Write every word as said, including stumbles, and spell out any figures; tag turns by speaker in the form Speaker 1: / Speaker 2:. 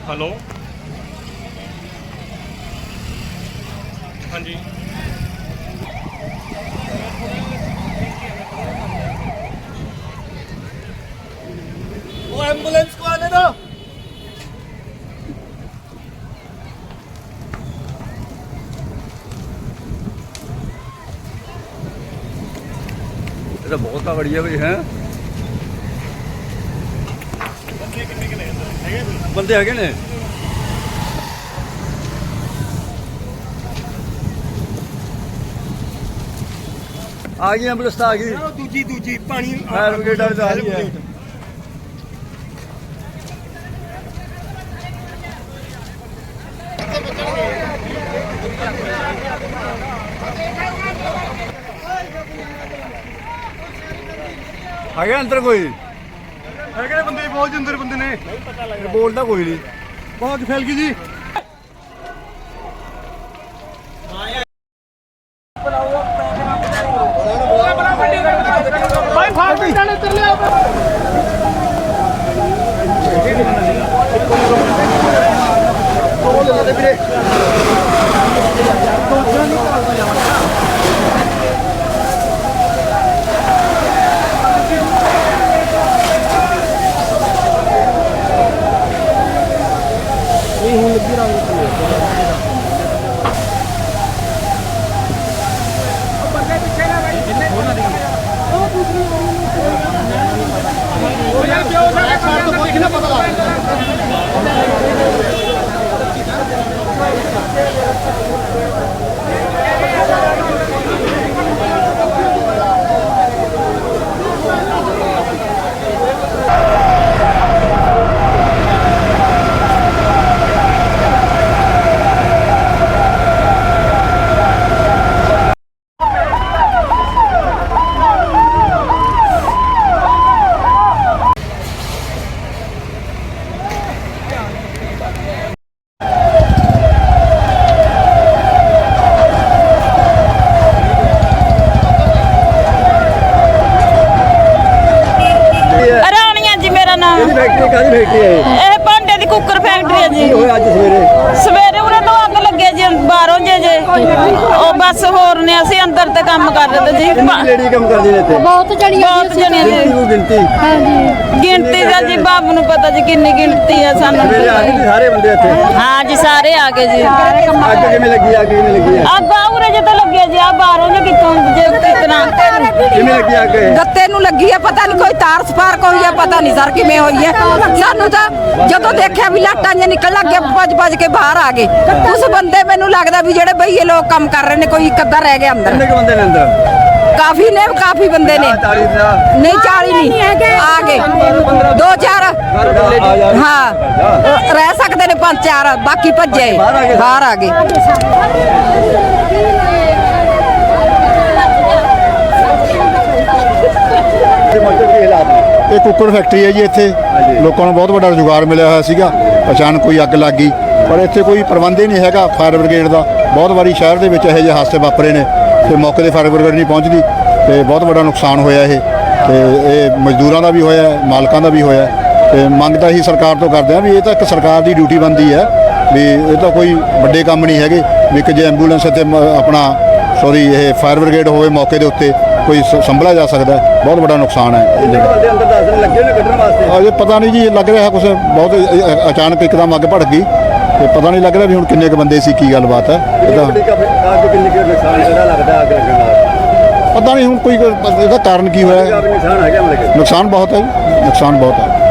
Speaker 1: Hello हाँ जी
Speaker 2: वो ambulance को आने दो।
Speaker 3: ये तो बहुत बढ़िया भाई है बंदे है ने आ गई एम्बुलेंस आ गई
Speaker 2: दूजी दूजी पानी
Speaker 3: फायर ब्रिगेड वाले तो आ गई है आ गया अंदर कोई
Speaker 2: है बंदे बहुत अंदर बंदे ने
Speaker 3: बोलता कोई नहीं
Speaker 2: बहुत फैल गई जी।
Speaker 4: ਇਹ ਭਾਂਡੇ ਦੀ ਕੁੱਕਰ ਫੈਕਟਰੀ ਹੈ ਜੀ।
Speaker 3: ਅੱਜ ਸਵੇਰੇ
Speaker 4: ਸਵੇਰੇ ਉਹਨੇ ਤੋਂ ਅੱਗ ਲੱਗੇ ਜੀ ਬਾਹਰੋਂ ਜੇ ਜੇ ਉਹ ਬਸ ਹੋਰ ਨੇ ਅਸੀਂ ਅੰਦਰ ਤੇ ਕੰਮ ਕਰ ਰਹੇ ਤੇ ਜੀ
Speaker 3: ਲੇਡੀ ਕੰਮ ਕਰਦੀ ਨੇ ਇੱਥੇ
Speaker 4: ਬਹੁਤ ਜਣੀਆਂ ਬਹੁਤ ਜਣੀਆਂ ਜੀ
Speaker 3: ਗਿਣਤੀ
Speaker 4: ਹਾਂਜੀ ਗਿਣਤੀ ਦਾ ਜੀ ਬਾਬੂ ਨੂੰ ਪਤਾ ਜੀ ਕਿੰਨੀ ਗਿਣਤੀ ਹੈ ਸਾਨੂੰ
Speaker 3: ਸਵੇਰੇ ਆ ਗਏ ਸਾਰੇ ਬੰਦੇ ਇੱਥੇ
Speaker 4: ਹਾਂ ਜੀ ਸਾਰੇ ਆ ਗਏ ਜੀ
Speaker 3: ਅੱਗ ਕਿਵੇਂ ਲੱਗੀ ਅੱਗ ਕਿਵੇਂ ਲੱਗੀ
Speaker 4: ਆ ਬਾਹਰੇ ਜੇ ਤਾਂ ਲੱਗਿਆ ਜੀ ਆ ਬਾਹਰੋਂ ਜੇ ਕਿਤੋਂ ਜੇ ਕਿਤਨਾ
Speaker 3: ਕਿਵੇਂ ਲੱਗੀ ਅੱਗ
Speaker 5: ਗੱਤੇ ਨੂੰ ਲੱਗੀ ਹੈ ਪਤਾ ਨਹੀਂ ਕੋਈ ਤਾਰ ਸਪਾਰਕ ਹੋਈ ਹੈ ਪਤਾ ਨਹੀਂ ਸਰ ਕਿਵੇਂ ਹੋਈ ਹੈ ਸਾਨੂੰ ਤਾਂ ਜਦੋਂ ਦੇਖਿਆ ਵੀ ਲਾਟਾਂ ਜੇ ਨਿਕਲ ਲੱਗੇ ਭੱਜ ਭੱਜ ਕੇ ਬਾਹਰ ਆ ਗਏ ਉਸ ਬੰਦੇ ਮੈਨੂੰ ਲੱਗਦਾ ਵੀ ਜਿਹੜੇ ਬਈਏ ਲੋਕ ਕੰਮ ਕਰ ਰਹੇ ਨੇ ਕੋਈ ਇੱਕ ਅੱਧਾ ਰਹਿ ਗਿਆ ਅੰਦਰ
Speaker 3: ਕਿੰਨੇ ਕੁ ਬੰਦੇ ਨੇ ਅੰਦਰ
Speaker 5: ਕਾਫੀ ਨੇ ਕਾਫੀ ਬੰਦੇ ਨੇ ਨਹੀਂ ਚਾਲੀ ਨਹੀਂ ਆ ਗਏ ਦੋ ਚਾਰ ਹਾਂ ਰਹਿ ਸਕਦੇ ਨੇ ਪੰਜ ਚਾਰ ਬਾਕੀ ਭੱਜੇ ਬਾਹਰ ਆ ਗਏ
Speaker 6: ਇਹ ਕੁੱਕੜ ਫੈਕਟਰੀ ਹੈ ਜੀ ਇੱਥੇ ਲੋਕਾਂ ਨੂੰ ਬਹੁਤ ਵੱਡਾ ਰੁਜ਼ਗਾਰ ਮਿਲਿਆ ਹੋਇਆ ਸੀਗਾ ਅਚਾਨਕ ਕੋਈ ਅੱਗ ਲੱਗ ਗਈ ਪਰ ਇੱਥੇ ਕੋਈ ਪ੍ਰਬੰਧ ਹੀ ਨਹੀਂ ਹੈਗਾ ਫਾਇਰ ਬ੍ਰਿਗੇਡ ਦਾ ਬਹੁਤ ਵਾਰੀ ਸ਼ਹਿਰ ਦੇ ਵਿੱਚ ਇਹੋ ਜਿਹੇ ਹਾਦਸੇ ਵਾਪਰੇ ਨੇ ਤੇ ਮੌਕੇ 'ਤੇ ਫਾਇਰ ਬ੍ਰਿਗੇਡ ਨਹੀਂ ਪਹੁੰਚਦੀ ਤੇ ਬਹੁਤ ਵੱਡਾ ਨੁਕਸਾਨ ਹੋਇਆ ਇਹ ਤੇ ਇਹ ਮਜ਼ਦੂਰਾਂ ਦਾ ਵੀ ਹੋਇਆ ਮਾਲਕਾਂ ਦਾ ਵੀ ਹੋਇਆ ਤੇ ਮੰਗ ਤਾਂ ਅਸੀਂ ਸਰਕਾਰ ਤੋਂ ਕਰਦੇ ਹਾਂ ਵੀ ਇਹ ਤਾਂ ਇੱਕ ਸਰਕਾਰ ਦੀ ਡਿਊਟੀ ਬਣਦੀ ਹੈ ਵੀ ਇਹ ਤਾਂ ਕੋਈ ਵੱਡੇ ਕੰਮ ਨਹੀਂ ਹੈਗੇ ਵੀ ਕਿ ਜੇ ਐਂਬੂਲੈਂਸ ਇੱਥੇ ਆਪਣਾ ਸੌਰੀ ਇਹ ਫਾਇਰ ਬ੍ਰਿਗੇਡ ਹੋਵੇ ਮੌਕੇ ਦੇ ਉੱਤੇ ਕੋਈ ਸੰਭਲਿਆ ਜਾ ਸਕਦਾ ਬਹੁਤ ਵੱਡਾ ਨੁਕਸਾਨ ਹੈ
Speaker 3: ਬੰਦੇ ਅੰਦਰ ਦੱਸਣ ਲੱਗੇ ਨੇ ਕੱਢਣ ਵਾਸਤੇ
Speaker 6: ਅਜੇ ਪਤਾ ਨਹੀਂ ਜੀ ਲੱਗ ਰਿਹਾ ਕੁਝ ਬਹੁਤ ਅਚਾਨਕ ਇੱਕਦਮ ਅੱਗ ਭੜਕ ਗਈ ਤੇ ਪਤਾ ਨਹੀਂ ਲੱਗ ਰਿਹਾ ਵੀ ਹੁਣ ਕਿੰਨੇ ਕੁ ਬੰਦੇ ਸੀ ਕੀ ਗੱਲਬਾਤ ਹੈ ਇਹਦਾ
Speaker 3: ਅੱਗ ਕਿੰਨੀ ਕੁ ਨੁਕਸਾਨ ਜਿਹੜਾ ਲੱਗਦਾ ਅੱਗ ਲੱਗਣ ਨਾਲ
Speaker 6: ਪਤਾ ਨਹੀਂ ਹੁਣ ਕੋਈ ਇਹਦਾ ਕਾਰਨ ਕੀ ਹੋਇਆ
Speaker 3: ਨੁਕਸਾਨ ਹੈਗਾ ਮਤਲਬ
Speaker 6: ਨੁਕਸਾਨ ਬਹੁਤ ਹੈ ਜੀ ਨੁਕਸਾਨ ਬਹੁਤ ਹੈ